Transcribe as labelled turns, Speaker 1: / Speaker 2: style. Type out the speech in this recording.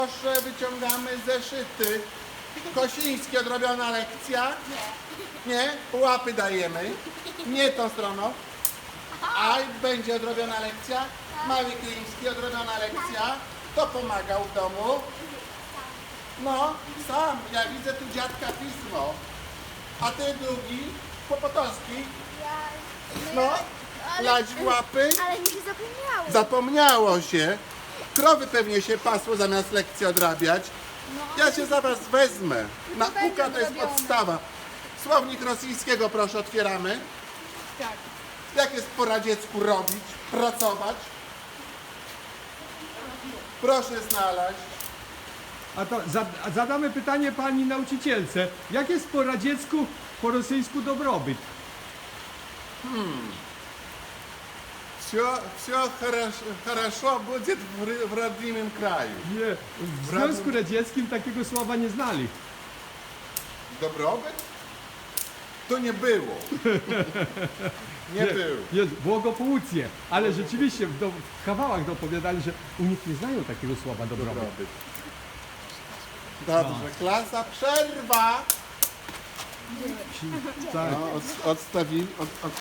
Speaker 1: Proszę, wyciągamy zeszyty. Kosiński, odrobiona lekcja? Nie. Łapy dajemy. Nie tą stroną. A będzie odrobiona lekcja? Mały Kliński, odrobiona lekcja. Kto pomagał w domu? No, sam. Ja widzę tu dziadka pismo. A ty drugi? Kłopotowski? No, lać w łapy?
Speaker 2: Ale mi się zapomniało.
Speaker 1: Zapomniało się. Krowy pewnie się pasło zamiast lekcji odrabiać. Ja się za was wezmę. Nauka to jest podstawa. Słownik rosyjskiego proszę otwieramy.
Speaker 2: Tak.
Speaker 1: Jak jest po radziecku robić? Pracować? Proszę znaleźć.
Speaker 3: A to zadamy pytanie pani nauczycielce. Jak jest po radziecku, po rosyjsku dobrobyt?
Speaker 1: Все хорошо будет в родном краю.
Speaker 3: Nie, w Związku Radzieckim takiego słowa nie znali.
Speaker 1: Dobrobyt? To nie było. Nie było.
Speaker 3: Jest błogopłucnie, ale rzeczywiście w kawałach dopowiadali, że u nich nie znają takiego słowa dobrobyt.
Speaker 1: Dobrobyt. Dobrze, klasa, przerwa.
Speaker 3: Tak.
Speaker 1: No, odstawili.